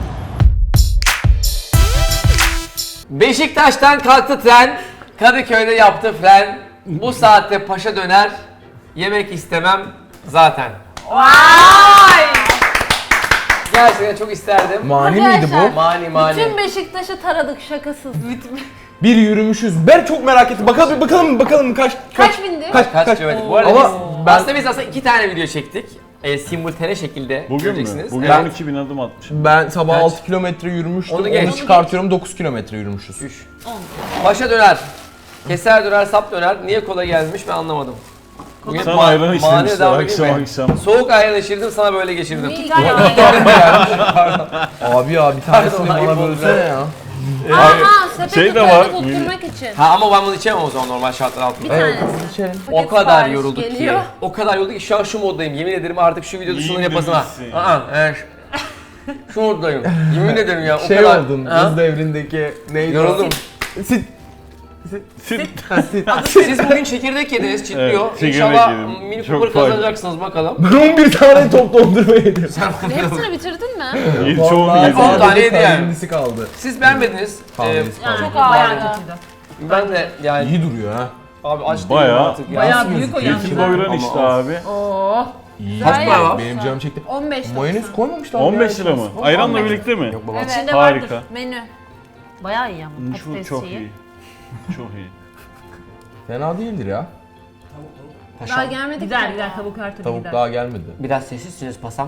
Speaker 2: Beşiktaş'tan kalktı tren, Kadıköy'de yaptı fren. Bu saatte Paşa Döner yemek istemem zaten. Vay! Gerçekten çok isterdim.
Speaker 1: Mani miydi bu?
Speaker 2: Mani mani.
Speaker 4: Bütün Beşiktaş'ı taradık şakasız.
Speaker 1: Bir yürümüşüz. Ben çok merak ettim. Bakalım bakalım bakalım kaç
Speaker 4: Kaç bindi?
Speaker 2: Kaç, kaç kilometre? Bu arada
Speaker 1: Ama
Speaker 2: biz,
Speaker 1: ben-
Speaker 2: aslında biz aslında iki tane video çektik. E, simultane şekilde
Speaker 3: Bugün mü?
Speaker 2: göreceksiniz.
Speaker 3: Bugün
Speaker 2: Evet.
Speaker 3: on iki bin adım atmışım.
Speaker 1: Ben sabah
Speaker 2: Kaç?
Speaker 1: altı kilometre yürümüştüm.
Speaker 2: Onu
Speaker 1: Onu,
Speaker 2: geç.
Speaker 1: çıkartıyorum dokuz kilometre yürümüşüz.
Speaker 2: Üç. Paşa Döner. Keser döner, sap döner. Niye kola gelmiş ben anlamadım. Bugün
Speaker 3: Sana
Speaker 2: ma-
Speaker 3: ayran
Speaker 2: maniye
Speaker 3: içirmişler
Speaker 2: devam edeyim
Speaker 3: akşam
Speaker 2: mi?
Speaker 3: akşam.
Speaker 2: Soğuk ayran içirdim sana böyle geçirdim.
Speaker 4: İki tane var.
Speaker 1: Abi ya bir tanesini
Speaker 2: Pardon, ayıp
Speaker 1: bana
Speaker 2: oldu.
Speaker 1: bölsene ya.
Speaker 4: Aha sepeti
Speaker 3: Şey de
Speaker 4: koydu
Speaker 3: var.
Speaker 4: tutturmak için.
Speaker 2: Ha ama ben bunu içemem o zaman normal şartlar altında.
Speaker 4: Bir tanesi.
Speaker 2: O
Speaker 4: Paket
Speaker 2: kadar
Speaker 4: sipariş
Speaker 2: yorulduk
Speaker 4: geliyor.
Speaker 2: ki. O kadar yorulduk ki şu an şu moddayım. Yemin ederim artık şu video dışından
Speaker 3: İyi
Speaker 2: yapasın ha.
Speaker 3: demişsin.
Speaker 2: Aa, evet. Şu moddayım. Yemin ederim ya. O
Speaker 1: Şey
Speaker 2: kadar.
Speaker 1: oldun.
Speaker 2: Ha?
Speaker 1: Buz devrindeki neydi? o?
Speaker 2: Yoruldum.
Speaker 1: Sit. Ha, sit.
Speaker 2: Siz bugün çekirdek yediniz, çitliyor.
Speaker 3: Evet, çekirdek
Speaker 2: İnşallah
Speaker 3: yedim.
Speaker 2: mini
Speaker 3: Çok
Speaker 2: Cooper
Speaker 3: faydalı.
Speaker 2: kazanacaksınız bakalım.
Speaker 1: Ben on bir tane top dondurma yedim.
Speaker 4: Hepsini bitirdin mi?
Speaker 3: İyi, çoğunu
Speaker 1: Vallahi
Speaker 3: yedim.
Speaker 2: on
Speaker 1: sadece
Speaker 2: tane yedi yani.
Speaker 1: kahvendisi kaldı.
Speaker 2: Siz beğenmediniz. Ee,
Speaker 1: Kahvendisi kaldı.
Speaker 4: Çok ağırdı.
Speaker 2: ben de yani
Speaker 1: İyi duruyor ha.
Speaker 2: abi aç değilim
Speaker 3: Bayağı-
Speaker 2: artık ya.
Speaker 4: Bayağı büyük o
Speaker 3: İki
Speaker 4: yalnız.
Speaker 3: doyuran
Speaker 2: Ama
Speaker 3: işte
Speaker 2: of.
Speaker 3: abi.
Speaker 4: Oo.
Speaker 2: Kaç para var?
Speaker 1: Benim canım çekti.
Speaker 4: on beş
Speaker 1: Mayonez koymamışlar.
Speaker 3: on beş
Speaker 1: ya.
Speaker 3: lira mı? Ayranla birlikte mi?
Speaker 1: Yok baba.
Speaker 4: Evet.
Speaker 3: Harika.
Speaker 4: Vardır menü. Bayağı iyi ama
Speaker 3: Şu çok iyi. Çok iyi.
Speaker 1: Fena değildir ya.
Speaker 5: Daha gelmedik.
Speaker 4: Gider
Speaker 5: ki.
Speaker 4: gider tavuk her türlü
Speaker 1: Tavuk
Speaker 4: gider.
Speaker 1: daha gelmedi.
Speaker 2: Biraz sessizsiniz pasam.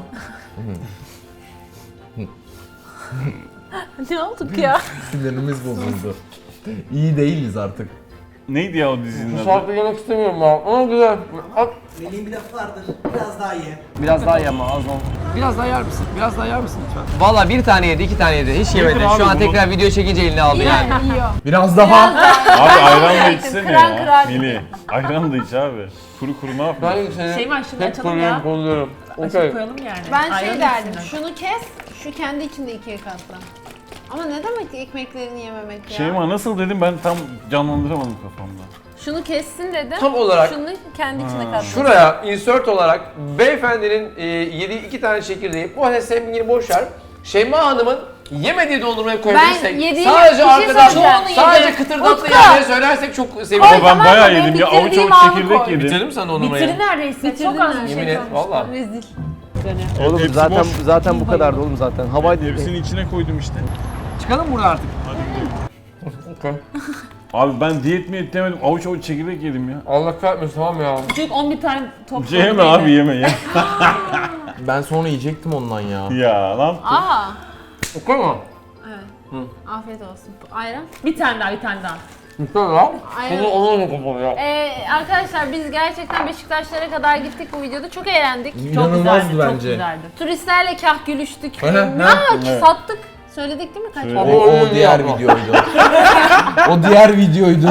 Speaker 4: Ne olduk ya?
Speaker 1: Sinirimiz bozuldu. İyi değiliz artık.
Speaker 3: Neydi ya o dizinin
Speaker 2: Bu
Speaker 3: adı?
Speaker 2: saatte yemek istemiyorum ya. Ama güzel. Al.
Speaker 6: Melih'in bir lafı vardır. Biraz daha ye.
Speaker 2: Biraz daha ye ama az ol. Biraz daha yer misin? Biraz daha yer misin lütfen? Valla bir tane yedi, iki tane yedi. Hiç yemedi.
Speaker 3: abi
Speaker 2: Şu an
Speaker 3: bunu.
Speaker 2: tekrar video çekince eline aldı yani.
Speaker 5: Yiyor.
Speaker 1: Biraz daha.
Speaker 3: Abi ayran da içsene
Speaker 4: Kıran
Speaker 3: ya.
Speaker 4: kıran.
Speaker 3: Melih. Ayran da iç abi. Kuru kuru ne yapıyorsun?
Speaker 2: Ben seni
Speaker 4: Şey var, şunu
Speaker 2: hep
Speaker 4: açalım
Speaker 2: koruyorum,
Speaker 4: ya.
Speaker 2: kolluyorum.
Speaker 4: Açıp
Speaker 2: Okey.
Speaker 4: koyalım yani.
Speaker 5: Ben
Speaker 4: Ayran
Speaker 5: şey derdim,
Speaker 4: içsinler.
Speaker 5: şunu kes, şu kendi içinde ikiye katla. Ama ne demek ekmeklerini yememek ya?
Speaker 3: Şeyma nasıl dedim ben tam canlandıramadım kafamda.
Speaker 5: Şunu kessin dedim.
Speaker 2: Tam olarak
Speaker 5: Şunu kendi içine katla.
Speaker 2: şuraya insert olarak beyefendinin e, yediği iki tane çekirdeği, bu arada sevgini boş ver. Şeyma Hanım'ın yemediği dondurmayı koyabilirsek,
Speaker 5: yediğim-
Speaker 2: sadece
Speaker 5: bir şey
Speaker 2: arkadan
Speaker 5: söyleyeceğim.
Speaker 2: sadece
Speaker 5: Yedim.
Speaker 2: kıtırdatlı
Speaker 5: Utku!
Speaker 2: yerleri söylersek çok sevinirim.
Speaker 3: Ama ben
Speaker 5: tamam da
Speaker 3: bayağı
Speaker 5: benim
Speaker 3: yedim ya. Avuç
Speaker 5: bitirdiğim
Speaker 3: avuç
Speaker 5: anı
Speaker 3: çekirdek
Speaker 5: koy.
Speaker 3: yedim.
Speaker 2: Bitirdin mi sen dondurmayı?
Speaker 4: Bitirin neredeyse. Çok az bir şey
Speaker 2: Yemin et,
Speaker 4: kalmış.
Speaker 2: valla.
Speaker 5: Rezil.
Speaker 2: Oğlum
Speaker 3: Hepsi
Speaker 2: zaten
Speaker 3: boş.
Speaker 2: zaten bu kadardı oğlum zaten. Havaydı.
Speaker 3: Hepsini içine koydum işte.
Speaker 2: Çıkalım buradan artık. Okay.
Speaker 3: Abi ben diyet mi demedim. Avuç avuç çekirdek yedim ya.
Speaker 2: Allah kahretmesin tamam ya.
Speaker 4: Çocuk on bir tane top
Speaker 3: Şey yeme abi yeme ya.
Speaker 1: Ben sonra yiyecektim ondan ya.
Speaker 3: ya lan.
Speaker 5: Aa,
Speaker 2: Okay mu?
Speaker 5: evet. Afiyet olsun. Ayran?
Speaker 4: Bir tane daha bir tane daha.
Speaker 2: Güzel ya.
Speaker 5: Ayran.
Speaker 2: Onu onu mu kapalı ya?
Speaker 5: Ee, arkadaşlar biz gerçekten Beşiktaşlara kadar gittik bu videoda. Çok eğlendik.
Speaker 4: Çok
Speaker 1: İnanılmazdı
Speaker 4: güzeldi,
Speaker 1: bence.
Speaker 4: Çok güzeldi.
Speaker 5: Turistlerle kah gülüştük.
Speaker 1: Hı hı.
Speaker 5: Ya
Speaker 3: Evet.
Speaker 5: sattık. Söyledik değil mi kaç?
Speaker 3: Söyledik.
Speaker 1: O, o diğer videoydu. o diğer videoydu.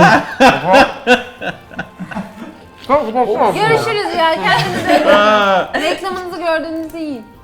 Speaker 2: Tamam kapatsana.
Speaker 5: Görüşürüz ya. Kendinize
Speaker 3: Ha.
Speaker 5: reklamınızı gördüğünüzde yiyin.